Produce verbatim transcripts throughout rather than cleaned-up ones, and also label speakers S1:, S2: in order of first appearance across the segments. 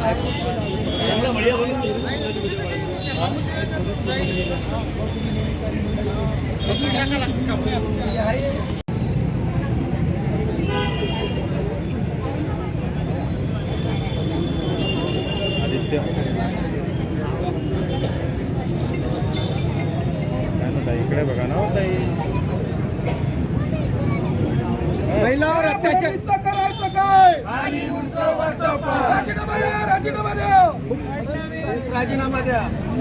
S1: आदित्य इकडे बघा ना ताई,
S2: महिलावर अत्याचार करायचं काय? राजीनामा द्या, राजीनामा द्या, राजीनामा द्या.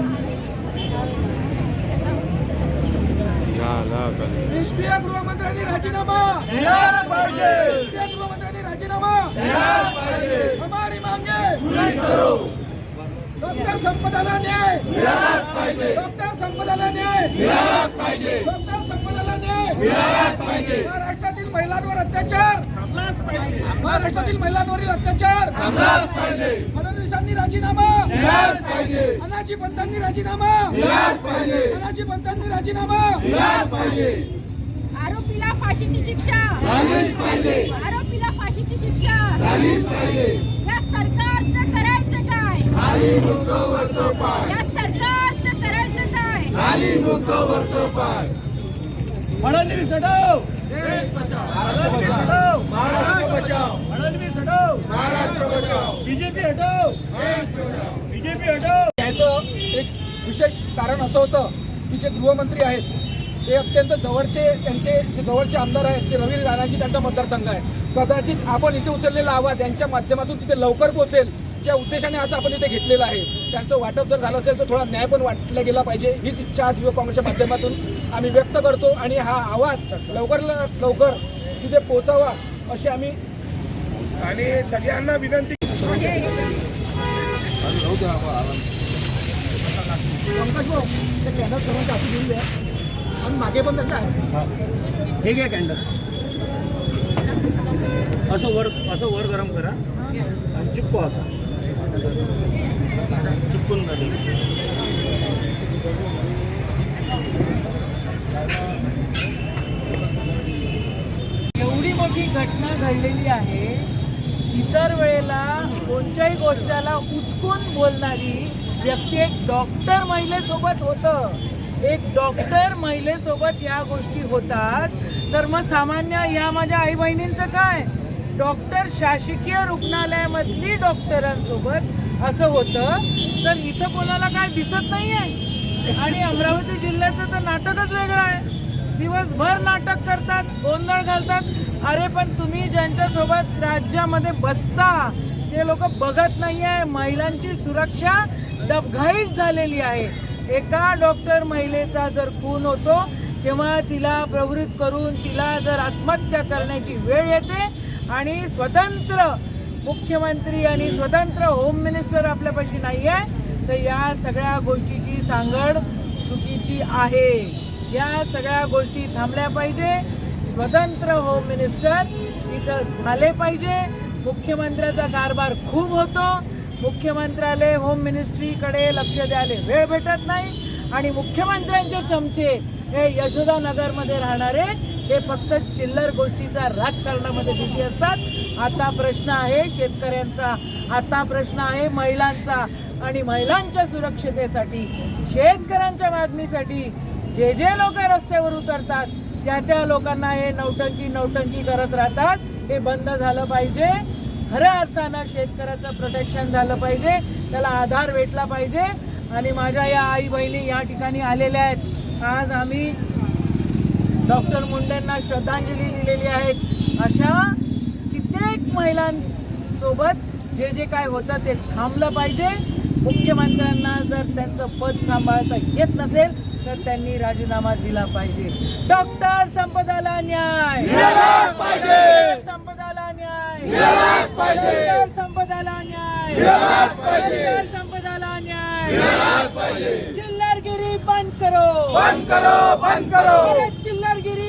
S2: निष्क्रिय गृहमंत्र्यांनी राजीनामा दिलाच पाहिजे. निष्क्रिय गृहमंत्र्यांनी राजीनामा दिलाच पाहिजे. हमारी मांगे पूरी करो. डॉक्टर संपदाला न्याय मिळालाच पाहिजे. डॉक्टर संपदाला न्याय मिळालाच पाहिजे. डॉक्टर संपदाला न्याय मिळालाच पाहिजे. महाराष्ट्रातील महिलांवर अत्याचार थांबलाच पाहिजे. महाराष्ट्रातील महिलांवरील अत्याचार थांबलाच पाहिजे. फडणवीसांनी राजीनामा दिलाच पाहिजे. अनाजी पंतांनी राजीनामा दिलाच पाहिजे. अनाजी पंतांनी राजीनामा दिलाच पाहिजे.
S3: आरोपीला फाशीची शिक्षा
S2: झालीच पाहिजे.
S3: आरोपीला फाशीची शिक्षा
S2: झालीच पाहिजे.
S3: या सरकारचं करायचं काय?
S2: खाली डोकं वरतो पाय.
S3: या सरकारचं करायचं काय?
S2: खाली डोकं वरतो पाय.
S4: फडणवीस हटव,
S2: देश बचाव.
S4: फडणवीस हटव,
S2: महाराष्ट्र बचाव.
S4: फडणवीस हटव,
S2: महाराष्ट्र बचाव.
S4: बीजेपी हटव,
S2: देश बचाव.
S4: बीजेपी हटव.
S5: याचं एक विशेष कारण असं होतं की जे गृहमंत्री आहेत ते अत्यंत जवळचे, त्यांचे जे जवळचे आमदार आहेत ते रवी राणाजी त्यांचा मतदारसंघ आहे. कदाचित आपण इथे उचललेला आवाज यांच्या माध्यमातून तिथे लवकर पोहोचेल त्या उद्देशाने आज आपण इथे घेतलेलं आहे. त्यांचं वाटप जर झालं असेल तर थोडा न्याय पण वाटला गेला पाहिजे, हीच इच्छा आज युवक काँग्रेसच्या माध्यमातून आम्ही व्यक्त करतो आणि हा आवाज लवकर लवकर तिथे पोहोचावा अशी आम्ही
S2: आणि सगळ्यांना विनंती.
S5: पंकज भाऊ ते कॅनल सर्वांच्या हाती घेऊन द्या आणि मागे पण त्यांच्या आहे.
S4: हे घ्या कॅन्डल, असं वर असं वर गरम करा आणि चिपको, असा चिपकून झाले.
S6: एवढी मोठी घटना घडलेली आहे. इतर वेळेला कोणत्याही गोष्टीला उचकून बोलणारी व्यक्ती एक डॉक्टर महिलेसोबत होतं. एक डॉक्टर महिलेसोबत या गोष्टी होतात तर मग सामान्य या माझ्या आई बहिणींचं काय? डॉक्टर शासकीय रुग्णालयामधली डॉक्टरांसोबत असं होतं तर इथं कोणाला काय दिसत नाही आहे. आणि अमरावती जिल्ह्याचं तर नाटकच वेगळं आहे. दिवसभर नाटक करतात, गोंधळ घालतात. अरे पण तुम्ही ज्यांच्यासोबत राज्यामध्ये बसता ते लोक बघत नाही आहे. महिलांची सुरक्षा डबघाईच झालेली आहे. एका डॉक्टर महिलेचा जर खून होतो तेव्हा तिला प्रवृत्त करून तिला जर आत्महत्या करण्याची वेळ येते आणि स्वतंत्र मुख्यमंत्री आणि स्वतंत्र होम मिनिस्टर आपल्यापाशी नाही आहे तर या सगळ्या गोष्टीची सांगड चुकीची आहे. या सगळ्या गोष्टी थांबल्या पाहिजे. स्वतंत्र होम मिनिस्टर इथं झाले पाहिजे. मुख्यमंत्र्याचा कारभार खूप होतो. मुख्यमंत्र्याला होम मिनिस्ट्रीकडे लक्ष द्यायला वेळ भेटत नाही आणि मुख्यमंत्र्यांचे चमचे हे यशोदानगरमध्ये राहणारे हे फक्त चिल्लर गोष्टीचा राजकारणामध्ये बिझी असतात. आता प्रश्न आहे शेतकऱ्यांचा, आता प्रश्न आहे महिलांचा आणि महिलांच्या सुरक्षतेसाठी शेतकऱ्यांच्या मागणीसाठी जे जे लोक रस्त्यावर उतरतात त्या त्या लोकांना हे नौटंकी नौटंकी करत राहतात. हे बंद झालं पाहिजे. खऱ्या अर्थानं शेतकऱ्याचं प्रोटेक्शन झालं पाहिजे, त्याला आधार भेटला पाहिजे. आणि माझ्या या आई बहिणी या ठिकाणी आलेल्या आहेत. आज आम्ही डॉक्टर मुंडेंना श्रद्धांजली दिलेली आहेत. अशा कित्येक महिलांसोबत जे जे काय होतं ते थांबलं पाहिजे. मुख्यमंत्र्यांना जर त्यांचं पद सांभाळता येत नसेल तर त्यांनी राजीनामा दिला पाहिजे. डॉक्टर संपदाला न्याय
S2: मिळालाच पाहिजे.
S6: संपदाला न्याय
S2: मिळालाच पाहिजे.
S6: डॉक्टर संपदाला न्याय
S2: मिळालाच पाहिजे.
S6: डॉक्टर संपदाला न्याय
S2: मिळालाच पाहिजे.
S6: चिल्लरगिरी बंद करो,
S2: बंद करो, बंद करो.
S6: अरे चिल्लरगिरी